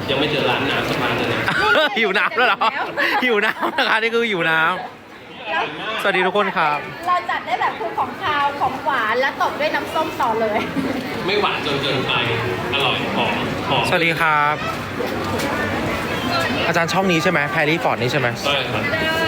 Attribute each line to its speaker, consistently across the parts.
Speaker 1: ยังไม่เจอร้านน้ำสักร้านเลยนะ
Speaker 2: หิวน้ำแล้วเหรอหิวน้ำนะคะนี่คือหิวน้ำสวัสดีทุกคนครับ
Speaker 3: เราจัดได้แบบคือของคาวของหวานแล้วตบด้วยน้ำส้มต่อเลย
Speaker 1: ไม่หวานจนเกินไปอร่อยหอม
Speaker 2: สวัสดีครับ อาจารย์ช่องนี้ใช่ไหมแพรรี่ฟอร์ดนี่ใช่ไหม
Speaker 1: ใช่ครับ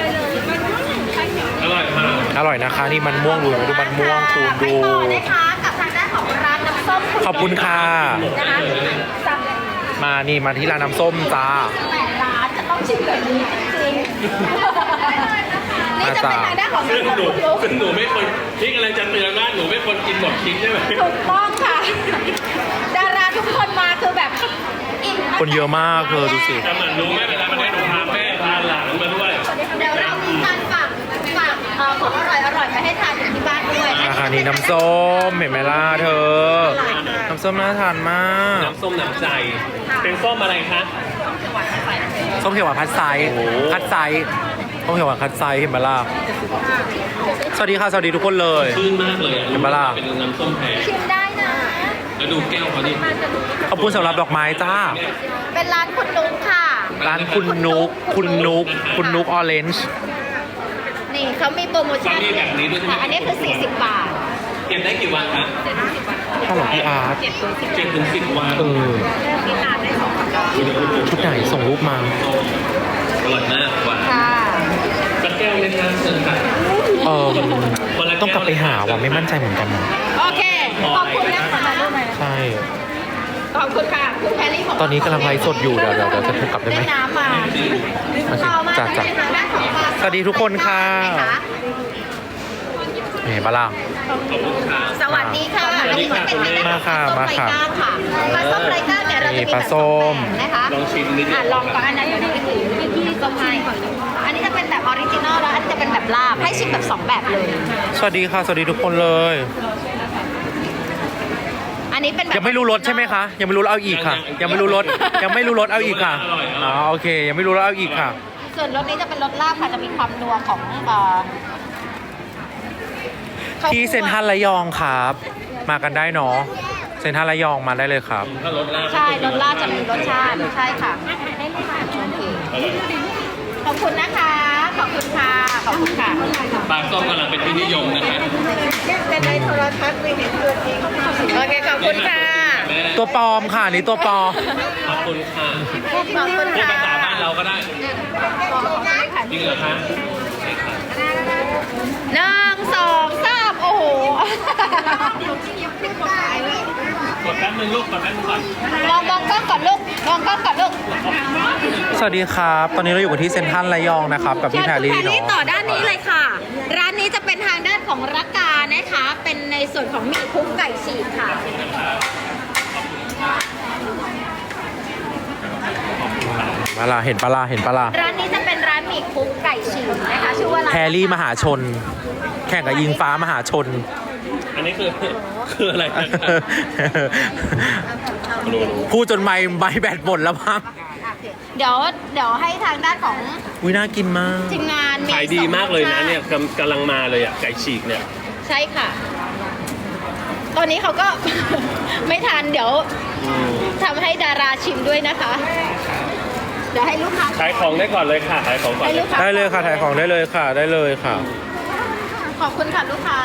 Speaker 1: อร่อยมาก
Speaker 2: อร่อยนะคะนี่มันม่วงดูมันม่วงคูณ
Speaker 3: ไป
Speaker 2: ดู
Speaker 3: ต่อนะคะกับทางด้านของร้านน้ำส้ม
Speaker 2: ขอบคุณค่ะ
Speaker 3: นะคะสั่ง
Speaker 2: มานี่มาที่ร้านน้ำส้มจ้า
Speaker 3: แต่ร้านจะต้องชิมแบบนี้จริงๆนี่จะเป็นทางด้านของ
Speaker 1: ซึ่ง
Speaker 3: น้ำส้ม
Speaker 1: หนูไม่คนที่กำลังจะเตือนว่าหนูไม่คนกินหมดชิ้นใช่ไหม
Speaker 3: ถูกต้องค่ะ ดาราทุกคนมาคือแบบอิ่ม
Speaker 2: คนเยอะมากเธอดูสิ
Speaker 1: แต่เหมือนรู้ไหมเวลามันได้หนูพาแม่พาหลานมาด้วย
Speaker 3: เดี๋ยวเรามีการฝากของอร่อยๆไปให้ทานอยู่ที่บ้านด้วย
Speaker 2: ราคานี้น้ำส้มเห็นไหมล่ะเธอ น้ำส้มน่าทานมาก
Speaker 1: น้ำส้มน้ำใจ เป็นส้มอะไรคะ
Speaker 2: ส้มเขียวหวานคัดไซส์
Speaker 1: โอ้โห
Speaker 2: คัดไซส์ส้มเขียวหวานคัดไซส์เห็นไหมล่ะสวัสดีค่ะสวัสดีทุกคนเลย
Speaker 1: ชื่นมากเลยอ่ะ
Speaker 2: เห็นปะล่ะ
Speaker 1: เป็นน้ำส้มแพง
Speaker 3: ชิมได้นะ
Speaker 1: แล้วดูแก้วเขาดิ
Speaker 2: ขอบคุณสำหรับดอกไม้จ้า
Speaker 3: เป็นร้านคุณนุ๊กค่ะ
Speaker 2: ร้านคุณนุกออเรนจ์
Speaker 3: นี่เขามีโปรโมชั่น
Speaker 1: มีแบบนี้ด้วยใช่ไหม
Speaker 3: ค่ะอันนี้คือ 40 บาท
Speaker 1: เก็บได้กี่วันคะ
Speaker 2: ถ้าหลวงพี่อาร์ต
Speaker 1: 7 ถึง 10 วัน
Speaker 2: เออชุดไหนส่งรูปมา
Speaker 1: อร่อยมากกว่า
Speaker 3: ค่ะ
Speaker 1: สักแก้วไหมคะเชิญค่ะ
Speaker 2: เออต้องกลับไปหาว่ะไม่มั่นใจเหมือนกันนะ
Speaker 3: โอเค ขอบคุณนะคะ
Speaker 2: ใช่
Speaker 3: ขอบคุณค่ะ คุณแพรรี่ของ
Speaker 2: ตอนนี้กำลังไลฟ์สดอยู่เดี๋ยวจะโทรกลับได้ไหม
Speaker 3: น้ำมา
Speaker 2: โอเค
Speaker 3: ต่อมา
Speaker 2: จ้ะ
Speaker 3: จะเป็นทางด้านของปลา
Speaker 2: สวัสดีทุกคนค่ะ เห็นปะล่ะ
Speaker 1: ขอบคุณค่ะ
Speaker 3: สวัสดีค่ะ
Speaker 1: สวัสดีค่ะ
Speaker 3: อันนี้เป็นทางด้านของ
Speaker 2: มาค่ะ
Speaker 3: ปลาส้มไรก้าเนี่ยเราจะมี
Speaker 2: ป
Speaker 3: แบ
Speaker 2: ลา
Speaker 3: บ
Speaker 2: ส้
Speaker 3: สอง
Speaker 2: ม
Speaker 3: แบบนะคะ
Speaker 1: ลองชิมนิดนึง
Speaker 3: ลองก่อนอันนั้นอยู่ในที่ส้มให้อันนี้จะเป็นแบบออริจินอลแล้วอันนี้จะเป็นแบบลาบให้ชิมแบบสองแบบเลย
Speaker 2: สวัสดีค่ะ สวัสดีทุกคนเลย
Speaker 3: อันนี้เป็นแบบ
Speaker 2: ยังไม่รู้รสใช่ไหมคะ ยังไม่รู้แล้วเอาอีกค่ะ ยังไม่รู้รสยังไม่รู้รสเอาอีกค่ะอ๋อโอเค ยังไม่รู้แล้วเอาอีกค่ะ
Speaker 3: ส่วนรสนี้จะเป็นรสลาบค่ะจะมีความนัวของ
Speaker 2: ที่เซ็นทรัลระยองครับ มากันได้เนาะเซ็นทรัลระยองมาได้เลยครับ
Speaker 1: ถ้ารสลาบ
Speaker 3: ใช่รสลาบจะมีรสชาติใช่ค่ะโอเคขอบคุณนะคะ ขอบคุณค่ะขอบคุณค่ะ
Speaker 1: ปลาส้มกำลังเป็นที่นิยมนะคะ
Speaker 3: เป็นในโทรทัศน์ไม่เห็นตัวจริงโอเคขอบคุณค่ะ
Speaker 1: แม่
Speaker 2: ตัวปลอมค่ะนี่ตัวปลอม
Speaker 1: ขอบคุณค่ะ
Speaker 3: ขอบคุณ
Speaker 1: พูด
Speaker 3: ค่ะ
Speaker 1: ภาษาบ้านเราก็ได้จริงเหรอคะ
Speaker 3: 1 2 3โอ้โห
Speaker 1: กดแป๊บนึงลูกกดแป๊บนึงก่อน
Speaker 3: ลองกล้องก่อนลูกลองกล้องก่อนลูก
Speaker 2: สวัสดีครับ ตอนนี้เราอยู่กันที่เซ็นทรัลระยองนะครับ กับพี่แพรรี่
Speaker 3: คุณ
Speaker 2: เนาะ
Speaker 3: ต่อด้านนี้เลยค่ะ ร้านนี้จะเป็นทางด้านของรักกานะคะ เป็นในส่วนของหมี่คลุกไก่ฉีกค่ะ
Speaker 2: มาล่ะเห็นปะล่ะเห็นปะล่ะ
Speaker 3: ร้านนี้จะเป็นร้านหมี่คลุกไก่ฉีกนะคะชื่อว่าร้าน
Speaker 2: แพรรี่มหาชน แข่งกับยิงฟ้ามหาชน
Speaker 1: อันนี้คืออะไรนะ
Speaker 2: พูดจนไมค์แบตหมดแล้วมั้ง
Speaker 3: เดี๋ยวให้ทางด้านของ
Speaker 2: วิน่ากินมาก
Speaker 3: ทีมงาน
Speaker 1: ขายดีมากเลยนะ
Speaker 3: สองรสชาติ
Speaker 1: เนี่ยกำลังมาเลยอ่ะไก่ฉีกเนี่ย
Speaker 3: ใช่ค่ะ ตอนนี้เขาก็ ไม่ทันเดี๋ยวทำให้ดาราชิมด้วยนะคะ เดี๋ยวให้ลูกค้า
Speaker 1: ขายของได้ก่อนเลยค่ะขายของก่อน
Speaker 3: ให้
Speaker 1: เล
Speaker 3: ลู
Speaker 1: ย
Speaker 3: กค้า
Speaker 2: ได้เลยค่ะถ่ายของได้เลยค่ะ ได้เลยค่ะ
Speaker 3: ขอบคุณค่ะลูกค้า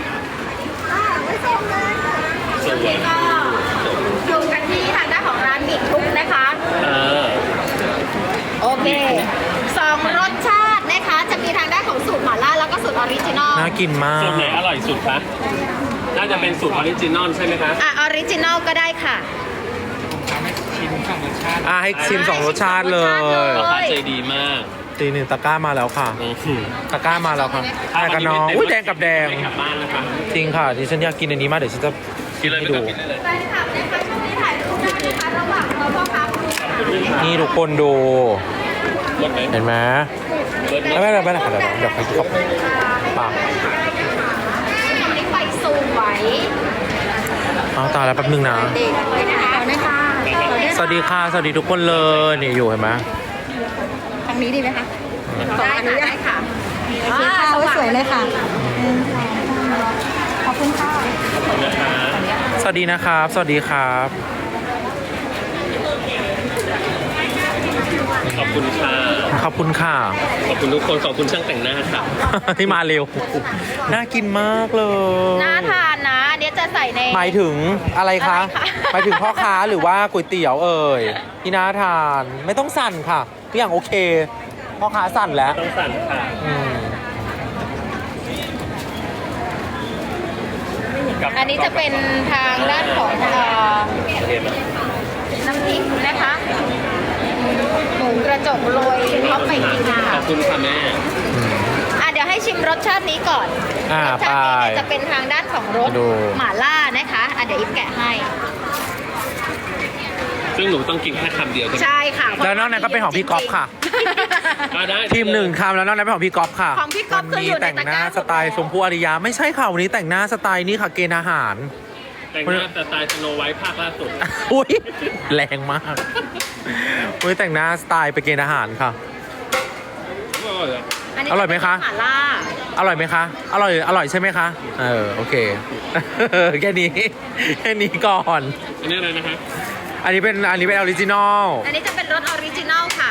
Speaker 1: สวย
Speaker 3: ก็อยู่กันที่ทางด้านของร้านหมี่คลุกนะคะ โอเคสองรสชาตินะคะ จะมีทางด้านของสูตรหม่าล่าแล้วก็สูตรออริจินอล
Speaker 2: น่ากินมาก
Speaker 1: สูตรไหนอร่อยสุดคะน่าจะเป็นสูตรออริจินอลใช่ไหมคะ
Speaker 3: ออริจินอลก็ได้ค่ะ
Speaker 2: ให้ชิมสองรสชาติเลย
Speaker 1: ราคาใจดีมาก
Speaker 2: ตีหนึ่งตะกร้ามาแล้วค่ะ ตะกร้ามาแล้วค่ะแดงกับน้องอุ้ยแดงกับแดง
Speaker 1: ไม่กลับบ้านนะคะ
Speaker 2: จริงค่ะดิฉันอยากกินอันนี้มากเดี๋ยวฉันจะ
Speaker 1: กินเลย
Speaker 2: ให้
Speaker 1: ไม่
Speaker 2: ดู
Speaker 1: กลับกินได้เลย
Speaker 3: แฟนคลับนะคะช่วงนี้ถ่ายรูปได้นะคะระหว่างเราพ่อค้าคุณ
Speaker 2: นี่ทุกคนดู
Speaker 1: รถไหม
Speaker 2: เห็นไหม
Speaker 1: รถไหม
Speaker 2: ไม่เป็นไรค่ะเดี๋ยวใครขอบปาก
Speaker 3: ทำนี้ไฟสวย
Speaker 2: เอาตายแล้วแป๊บนึงนะ
Speaker 3: เด็กเลยนะคะ
Speaker 2: สวัสดีค่ะ สวัสดีทุกคนเลยนี่อยู่เห็นไหม
Speaker 3: ทางนี้ดีไหมคะได้ค่ะได้ค่ะ
Speaker 4: โอเคค่ะสวยเลยค่ะ ขอบคุณค่ะ
Speaker 1: นะคะ
Speaker 2: สวัสดีนะครับ สวัสดีครับ
Speaker 1: คุณค่ะ
Speaker 2: ขอบคุณค่ะ
Speaker 1: ขอบคุณทุกคนขอบคุณช่างแต่งหน้าค่ะ
Speaker 2: ที่มาเร็ว น่ากินมากเลย
Speaker 3: น่าทานนะอันนี้จะใส่ใน
Speaker 2: หมายถึงอะไรคะ
Speaker 3: อะไรคะ
Speaker 2: หมายถึงพ่อค้าหรือว่าก๋วยเตี๋ยวเอ่ยที่น่าทานไม่ต้องสั่นค่ะทุกอย่างโอเคพ่อค้าสั่นแล้ว
Speaker 1: ต้องสั่นค่ะ
Speaker 2: อืม
Speaker 3: อันนี้จะเป็นทางด้านของน้ำพริกนะคะหมูกระจกโรยท็อปไปกินนะ
Speaker 1: ข
Speaker 3: คะ
Speaker 1: อบคุณค่ะแม่
Speaker 3: เดี๋ยวให้ชิมรสชาตินี้ก่อน รสชาตินี้เนี่ยจะเป็นทางด้านของรสหม่าล่านะคะเดี๋ยวอิฟแกะให้
Speaker 1: ซึ่งหนูต้องกินแค่คำเดียวใช่ไหม
Speaker 3: ใช่ค่ะ
Speaker 2: แล้วนอกนั้นก็เป็นของพี่ก๊อฟค่ะ
Speaker 1: ได้
Speaker 2: ทีมหนึ่งคำแล้วนอกนั้นเป็นของพี่ก๊อฟค่ะ
Speaker 3: ของพี่ก๊อฟ
Speaker 2: วัน
Speaker 3: คือ
Speaker 2: นี้
Speaker 3: อยู่ใน
Speaker 2: แต่ง
Speaker 3: ตะ
Speaker 2: ห
Speaker 3: ก
Speaker 2: น้า
Speaker 3: ร้า
Speaker 2: สไตล์ชมพู่อารยาไม่ใช่ค่ะวันนี้แต่งหน้าสไตล์นี้ค่ะเกณฑ์อาหาร
Speaker 1: แต่งหน้าแต่ตายสโนไวท์ภาคล่าสุด
Speaker 2: อุ้ยแรงมากอุ้ยแต่งหน้าสไตล์ไปเกณฑ์อาหารค่ะ
Speaker 3: อันนี้
Speaker 2: อร่อยไหมคะ
Speaker 3: จเป็นหม่าล่า
Speaker 2: อร่อยไหมคะ อร่อยใช่ไหมคะ โอเค แค่นี้แค่นี้ก่อน
Speaker 1: อันนี้อะไรนะครับ
Speaker 2: อันนี้เป็นออริจินอล
Speaker 3: อันนี้จะเป็นรสออริจินัลค่ะ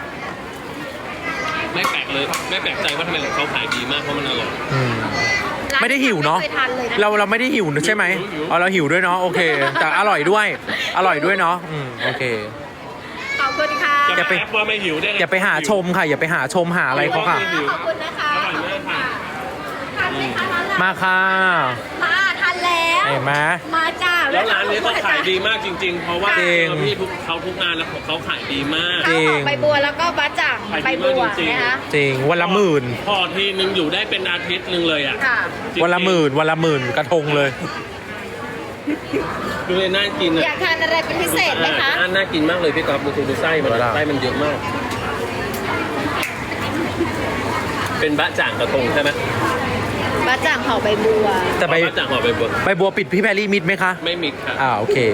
Speaker 1: ไม่แปลกเลยไม่แปลกใจว่าทำไมของเขาขายดีมากเพราะมันอร่อย
Speaker 3: ร้าน
Speaker 2: ไม่ได้หิวเนาะ
Speaker 3: ไม่คยทานเลยนะ
Speaker 2: เราไม่ได้หิวใช่ไหม
Speaker 1: หิว
Speaker 2: อ๋อเราหิวด้วยเนาะโอเค แต่อร่อยด้วยเนาะโอเค
Speaker 3: ขอบคุณค่ะ
Speaker 1: จะ
Speaker 2: อย่าไป
Speaker 1: แอบว่าไม่หิวได้ไง
Speaker 2: อย่าไปหาชมค่ะ อย่าไปหาชมหาอะไรเขาค่ะ
Speaker 3: ขอบคุณนะคะ
Speaker 1: อร่อยมากค่ะ
Speaker 3: ทานไหมคะร้าน
Speaker 2: มาค่ะ
Speaker 3: มาทานแล้ว
Speaker 2: เห็นไหม
Speaker 3: มาจ้า
Speaker 1: แล้วร้านนี้เขาขายดีมากจริง ๆ เพราะว่า
Speaker 2: จริง
Speaker 1: พี่เขาทุกงานแล้วของเขาขายดีมาก
Speaker 3: ข้าวหอมใบบัวแล้วก็บะจ่าง
Speaker 1: ขายดี
Speaker 3: ใบบัว
Speaker 1: มากจริงๆ
Speaker 3: นะคะ
Speaker 2: จริงวันละหมื่น
Speaker 1: พอทีนึงอยู่ได้เป็นอาทิตย์นึงเลยอ่ะ
Speaker 3: ค่ะ
Speaker 1: จริงๆ
Speaker 2: วันละหมื่นกระทงเลย
Speaker 1: ดูเลยน่ากิน
Speaker 3: อ
Speaker 1: อ่ะ
Speaker 3: ยากทานอะไรเป็นพิเศษไหมคะ
Speaker 1: น่ากินมากเลยพี่ก๊อฟดูไส้มัน
Speaker 2: เวลา
Speaker 1: ไส้มันเยอะมาก เป็นบะจ่างกระทงใช่ไหม
Speaker 3: บะจ่างห่อใบบัว
Speaker 2: แต่ใบ
Speaker 1: อ๋อบะจ่างห่อใบบัว
Speaker 2: ใบบัวปิดพี่แพรรี่มิดไหมคะ
Speaker 1: ไม่มิดค่ะ
Speaker 2: โอเค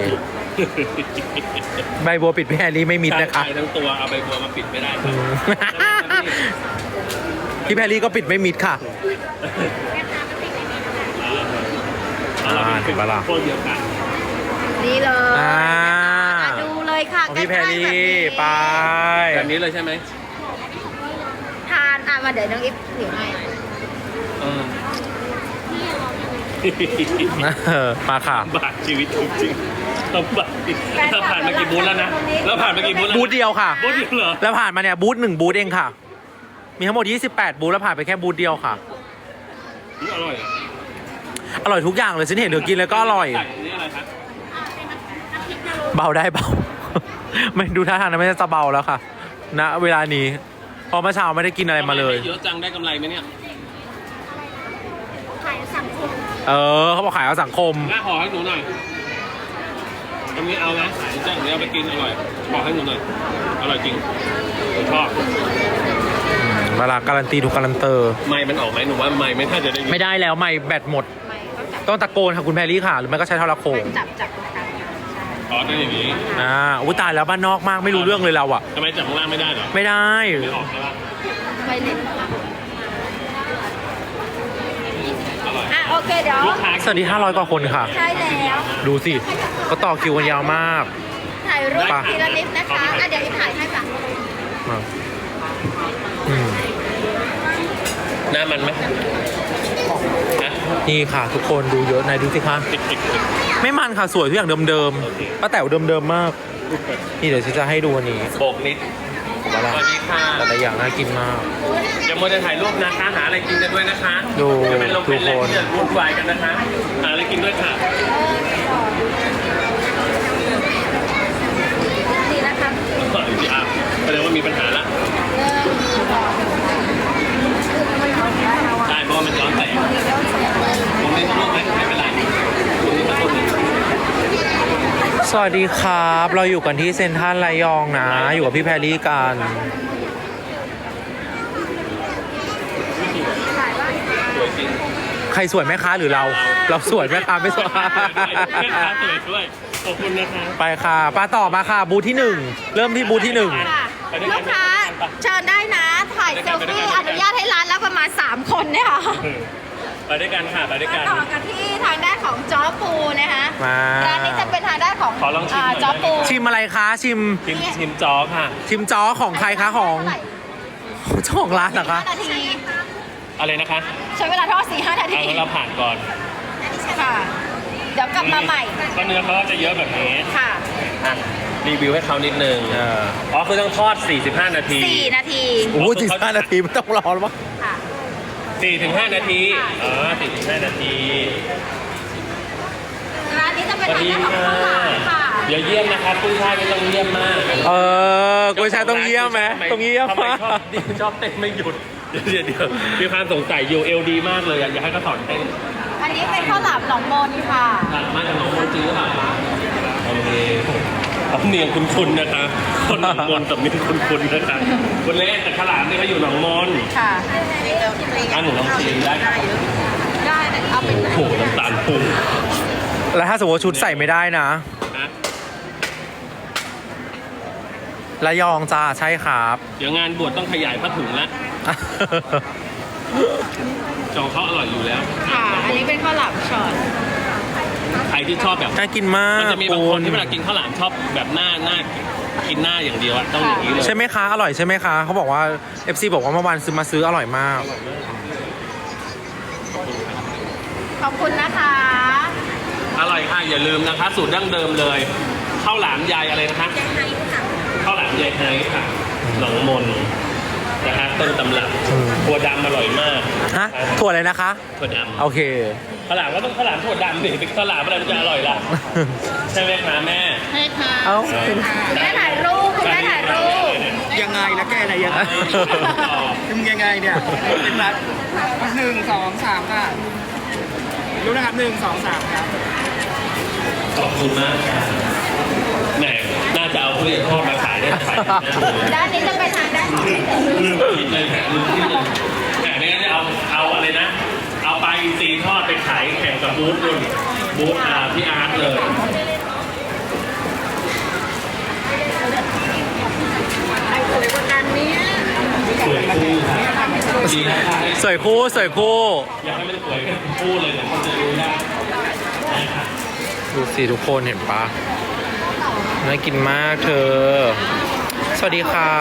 Speaker 2: ใบบัวปิดพี่แพรรี่ไม่มิดนะคะ
Speaker 1: ขายทั้งตัวเอาใบบัวมาปิดไม่ได้ค
Speaker 2: อื
Speaker 1: รับ
Speaker 2: ม พี่แพรรี่ก็ปิดไม่มิดค่ะ
Speaker 1: เราเป็น
Speaker 2: เห็นปะล่ะ
Speaker 1: โคนเดียวกัน
Speaker 3: นี่เลย ดูเลยค่ะ
Speaker 2: ของพี่แพรรี่
Speaker 3: ใกล้ๆ
Speaker 2: ไป
Speaker 1: แบบนี้เลยใช่ไหม
Speaker 3: ทานมาเดี๋ยวน้องอิฟถือให้
Speaker 2: มาค่ะ
Speaker 1: บาดชีวิตจริงๆต้องบาดเราผ่านมากี่บูธแล้วนะเราผ่านมากี่บูธแล้ว
Speaker 2: บูธเดียวค่ะ
Speaker 1: บูธเดียวเหรอ
Speaker 2: แล้วผ่านมาเนี่ยบูธ1บูธเองค่ะ มีทั้งหมด28บูธแล้วผ่านไปแค่บูธเดียวค่ะ
Speaker 1: อร่อยอ่ะ
Speaker 2: อร่อยทุกอย่างเลยฉันเห็นเธอกินแล้วก็อร่อย
Speaker 1: ใส่อันนี่อะไรครับ
Speaker 2: เบาได้เบา ไม่ดูท่าทางนะไม่จะเบาแล้วค่ะณเวลานี้เพราะเมื่อเช้าไม่ได้กินอะไรมาเลย
Speaker 1: เยอะจังได้กำไรไหมเนี่ย
Speaker 2: เขาบอกขายเอาสังคม
Speaker 1: หน้าห่อให้หนูหน่อยตรงนี้เอานะจะอย่างนี้เอาไปกินอร่อยบอกให้หนูหน่อยอร่อยจริงผมชอบ
Speaker 2: เวลาการันตีถูกการันเตอร์
Speaker 1: ไม้มันออกไหมหนูว่าไม้ไม่น่าจะได้ยิน
Speaker 2: ไม่ได้แล้วไม่แบตหมด
Speaker 3: ไม่ก็จับ
Speaker 2: ต้องตะโกนค่ะคุณแพรรี่ค่ะ หรือไม่ก็ใช้โทรโขง
Speaker 3: จับนะคะ
Speaker 1: อ๋อได้อย่างนี้
Speaker 2: อุ้ยตายแล้วบ้านนอกมากไม่รู้เรื่องเลยเราอ่ะ
Speaker 1: ทำไมจับข้างล่างไม่ได้เหรอ
Speaker 2: ไม่ได้
Speaker 1: ไม่ออกใช่ปะ
Speaker 3: ไม่เล่น
Speaker 1: อร่อย
Speaker 3: โอเคเดี๋ยว
Speaker 1: ลูกค้า
Speaker 2: สวัสดี500 กว่าคนค่ะ
Speaker 3: ใช่แล้ว
Speaker 2: ดูสิก็ต่อคิวกันยาวมาก
Speaker 3: ถ่ายรูป
Speaker 2: ไป
Speaker 3: ทีละนิดนะคะเดี๋ยวอิฟถ่ายให้ค่ะ
Speaker 2: มาอืม
Speaker 1: หน้ามันไหมนะ
Speaker 2: นี่ค่ะทุกคนดูเยอะไหนดูสิคะไม่มันค่ะสวยทุกอย่างเดิมๆป้าแต๋วเดิมๆมาก นี่เดี๋ยวฉันจะให้ดูอันนี้
Speaker 1: โบกนิด
Speaker 2: ว่า
Speaker 1: ส
Speaker 2: ละ
Speaker 1: วัสดีค่ะ
Speaker 2: แต่ละอย่างน่ากินมาก
Speaker 1: อย่ามัวแต่ถ่ายรูปนะคะหาอะไรกินกันด้วยนะคะ
Speaker 2: ดู
Speaker 1: จะเป็นลมเป็นแรง
Speaker 2: ทุกคน
Speaker 1: ที่จะวุ่นวายกันนะคะหาอะไรกินด้วยค่ะ
Speaker 3: ดีนะคะ
Speaker 1: พี่อาร์แสดงว่ามีปัญหาละได้เพราะว่ามันย้อนแสงตรงนี้ต้องรูปไหมไม่เป็นไรตรงนี้ต้องรูปไหม
Speaker 2: สวัสดีครับ เราอยู่กันที่เซ็นทรัลระยองนะ อยู่กับพี่แพรรี่กัน
Speaker 1: สวยจริง
Speaker 2: ใครสวยไหมคะหรือเรา เราสวยไหมคะไม่สวย
Speaker 1: แม่ค้าสวยด้วยขอบคุณนะคะ
Speaker 2: ไปค่ะป้าต่อมาค่ะ บูธที่ 1 เริ่มที่บูธที่
Speaker 3: ค่ะลูกค้าเชิญได้นะ ถ่ายเซลฟี่อนุญาตให้ร้านแล้วประมาณ3 คนเนี่ยค่ะ
Speaker 1: ไปด้วยกันค่ะไปด้วยกัน
Speaker 3: ต่อกันที่ทางด้านของจ้อปูนะคะ
Speaker 2: มา
Speaker 3: ร้านนี้จะเป็นทางด้านของ
Speaker 1: ขอลองชิมหน่อย
Speaker 3: จ้อปู
Speaker 2: ชิมอะไรคะชิม
Speaker 1: ชิมจอค่ะ
Speaker 2: ชิมจ้อของใครคะของเจ้าของร้านเหรอคะ
Speaker 3: 5 นาที
Speaker 1: อะไรนะคะ
Speaker 3: ใช้เวลาทอด 4-5 นาที
Speaker 1: เอางั้นเราผ่านก่อน
Speaker 3: ค่ะ เดี๋ยวกลับมาใหม่
Speaker 1: ก็เนื้อเขาจะเยอะแบบนี้
Speaker 3: ค่ะ
Speaker 1: อ่ะรีวิวให้เขานิดนึงอ๋อคือต้องทอด 45 นาที
Speaker 3: 4 นาที
Speaker 2: โอ้โห45 นาทีไม่ต้องรอแล้วมั้ง
Speaker 3: ค่ะ
Speaker 1: 4-5 นาทีอ๋อ4-5 นาที
Speaker 3: ร้านนี้จะเป็นทางด้านของข้าวหลามค่ะ
Speaker 1: อย่าเยี่ยมนะครับกุ้ยช่ายไม่ต้องเยี่ยมมาก
Speaker 2: กุ้ยช่ายต้องเยี่ยมไหมต้องเยี่ยม
Speaker 1: ทำไม
Speaker 2: มาก
Speaker 1: ชอบเต้นไม่หยุดเดี๋ยวมีความสงสัยอยู่เอลดีมากเลยอยากให้เขาสอนเต้น
Speaker 3: อันนี้เป็นข้าวหลามหนองมนค่ะ
Speaker 1: มาจากหนองมนต์จริงหรือเปล่าคะโอเคสำเนียงคุ้นๆนะคะคนหนองมนต์สำเนียงคุ้นๆนะคะคนเล่นแต่ขลามนี่เขาอยู่หนองมนต์
Speaker 3: ค่ะ
Speaker 1: หนูลองชิมได้ครับ
Speaker 3: ได้แต่เอาเป็น
Speaker 1: โอ้โหน้ำตาลพุ่ง
Speaker 2: แล้วถ้าสมมติว่าชุดใส่ไม่ได้นะ
Speaker 1: นะ
Speaker 2: ระยองจ้าใช่ครับ
Speaker 1: เดี๋ยวงานบวชต้องขยายผ้าถุงละจองเขาอร่อยอยู่แล้ว
Speaker 3: ค่ะ อันนี้เป็นข้าวหลามช็อต
Speaker 1: ใครที่ชอบแบบ
Speaker 2: น่ากินมาก
Speaker 1: มันจะมีบางคนที่เวลากินข้าวหลามชอบแบบหน้ากินหน้าอย่างเดียวอะต้องอย่างนี้เลย
Speaker 2: ใช่ไหมคะ อร่อยใช่ไหมคะ เขาบอกว่า FC บอกว่าเมื่อวานซื้ออร่อยมาก
Speaker 3: ขอบคุณนะคะ
Speaker 1: อร่อยค่ะอย่าลืมนะคะ สูตรดั้งเดิมเลยข้าวหลามยายอะไรนะคะข้าวหลามยายไฮค่ะหนองมนนะฮะต้นตำรับถั่วดำอร่อยมาก
Speaker 2: ฮะ ถั่วอะไรนะคะ
Speaker 1: ถั่วด
Speaker 2: โอเค
Speaker 1: ำข้าวหลามก็ต้องข้าวหลามถั่วดำดิเป็นข้าวหลามอะไรมันจะอร่อยล่ะใช่ไหมคะแม่
Speaker 3: ใช่ค่ะ
Speaker 2: เอ้า
Speaker 3: คุณแม่ถ่ายรูปคุณแม่ถ่ายรูป
Speaker 5: ยังไงนะแกนะยังไงมึงยังไงเนี่ยเป็นรัฐ1 2 3ค่ะรู้นะครับ1 2 3ครับ
Speaker 1: ขอบคุณมากค่ะแหมน่าจะเอาทุเรียนทอดมาขายได้ขาย
Speaker 3: ด้านนี้จะเป็นทางด้านของ
Speaker 1: ลืมคิดเลยแหมลืมคิดเลยแหมไม่งั้นจะเอาอะไรนะ เอาปลาอินทรีทอดไปขายแข่งกับบูธนู่นบูธพี่อาร์ตเลย สวยคู่ดีนะคะ
Speaker 2: สวยคู่สวยคู่
Speaker 1: อยากให้มันสวยกันคู่เลยแต่คนจะรู้ได้
Speaker 2: ดูสิทุกคนเห็นปะน่ากินมากเธอ สวัสดีครับ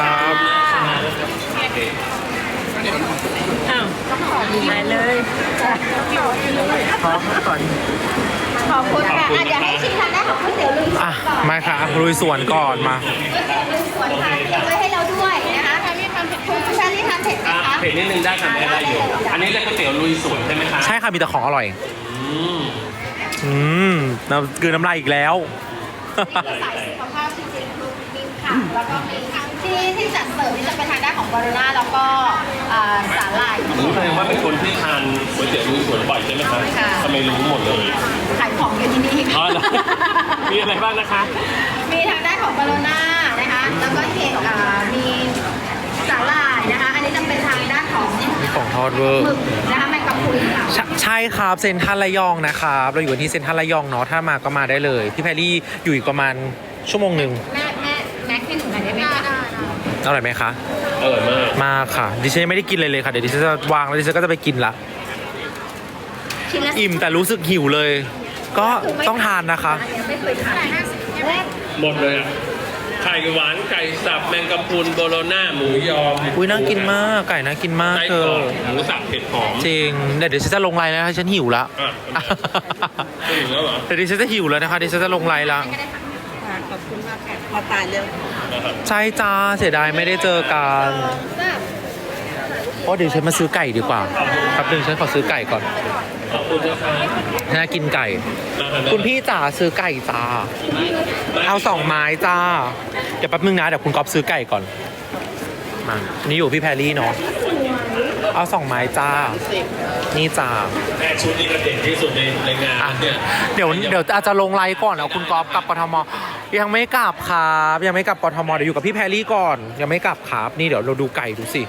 Speaker 3: ขอบคุณค่ะเดี๋ยวให้ชิมทางด้านของก๋วยเตี๋ยวลุยสวน
Speaker 2: อ่ะ
Speaker 3: ก่อน
Speaker 2: มาค่ะลุยสวนก่อนมา
Speaker 3: ก๋วยเตี๋ยวลุยสวนค่ะเตรียมไว้ให้เราด้วยนะคะชาลี่ทำเผ็ดคุณชาลี่ทำเผ็ดไหมคะ
Speaker 1: เผ็ดนิดนึงได้ค่ะไม่ได้อยู่ อันนี้เรียกก๋วยเตี๋ยวลุยสวนใช่ไหมคะ
Speaker 2: ใช่ค่ะมีแต่ของอร่อย
Speaker 1: อืม
Speaker 2: น้ำกลืนน้ำลายอีกแล้ว
Speaker 3: นี่คือสายสุขภาพจริงๆคือมีค่ะแล้วก็มีที่จัดเสิร์ฟนี่จะเป็นทางด้านของบาร์นาแล้วก็สาหร่าย
Speaker 1: รู้แสดงว่าเป็นคนที่ทานก๋วยเตี๋ยวลุยสวนบ่อยใช่ไหมคะ
Speaker 3: ค่ะ
Speaker 1: ทำไมรู้หมดเลย
Speaker 3: ขายของอยู่ที่นี่
Speaker 1: อ๋อเหรอมีอะไรบ้างนะคะ
Speaker 3: มีทางด้านของบาร์นานะคะ แล้วก็มีสาหร่ายนะคะ อันนี้จะเป็นทางด้านของ
Speaker 2: มีของทอดเวอร์
Speaker 3: หมึกนะคะแมงกะพรุนค่ะ
Speaker 2: ใช่ครับเซ็นทรัลระยองนะครับเราอยู่ที่เซ็นทรัลระยองเนาะถ้ามาก็มาได้เลยพี่แพรรี่อยู่อีกประมาณชั่วโมงหนึ่ง
Speaker 3: แม็กให้หนูหน่อยได้ไหมคะ
Speaker 2: อร่อยไหมคะ
Speaker 1: อร่อยมาก
Speaker 2: มากค่ะดิฉันยังไม่ได้กินเลยค่ะเดี๋ยวดิฉันจะวางแล้วดิฉันก็จะไปกินละ
Speaker 3: ชิ้นละ
Speaker 2: อิ่มแต่รู้สึกหิวเลย ก็ต้องทานนะคะ
Speaker 3: ไม่เคยทานแรก
Speaker 1: หมดเลยอ่ะ ไข่หวานไก่สับแมงกะพรุนโบโลน่าหมูยอ
Speaker 2: อุ้ยน่ากินมากไก่น่ากินมาก
Speaker 1: ไส้
Speaker 2: เธ
Speaker 1: กร
Speaker 2: อ
Speaker 1: อกหมูสับเผ็ดหอม
Speaker 2: จริงเดี๋ยวฉันจะลงไลน์แล้วนะคะฉันหิวละ
Speaker 1: อ่ะไม่ถึงแล้วเหรอ
Speaker 2: เดี๋ยวดิฉันจะหิวแล้วนะคะดิฉันจะลงไลน์ละ
Speaker 4: ขอบคุณมากค่ะมาตายเร็ว
Speaker 2: ใช่จ้าเสียดายไม่ได้เจอกันเพราะเดี๋ยวฉันมาซื้อไก่ดีกว่าครับหนึ่งฉันขอซื้อไก่ก่อน
Speaker 1: ขอบคุณนะคะ
Speaker 2: น่ากินไก่ คุณพี่จ๋าซื้อไก่จ้าเอา2 ไม้จ้าเดี๋ยวแป๊บนึงนะเดี๋ยวคุณก๊อฟซื้อไก่ก่อนมานี่อยู่พี่แพรรี่เนาะเอา2 ไม้จ้านี่จ้า
Speaker 1: แม่ชุดนี้ก็เด่นที่สุดในงาน
Speaker 2: อ่ะ
Speaker 1: เนี่ย
Speaker 2: เดี๋ยวอาจจะลงไลน์ก่อนเอาคุณก๊อฟกลับกทมยังไม่กลับครับยังไม่กลับกทมเดี๋ยวอยู่กับพี่แพรรี่ก่อนยังไม่กลับครับนี่เดี๋ยวเราดูไก่ดูสิ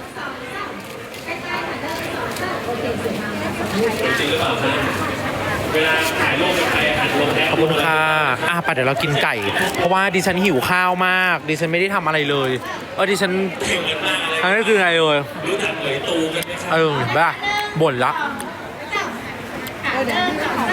Speaker 1: จริงหรือเปล่าคะเวลาถ่ายรูปกับใครอ่ะลงแอป
Speaker 2: ขอบคุณค่ะไปเดี๋ยวเรากินไก่ เพราะว่าดิฉันหิวข้าวมากดิฉันไม่ได้ทำอะไรเลยดิฉันอันนี้คือไงเลย
Speaker 1: รู้จักเผยตูกันไหมครับ
Speaker 2: บ้าบ่นละ
Speaker 3: 1 2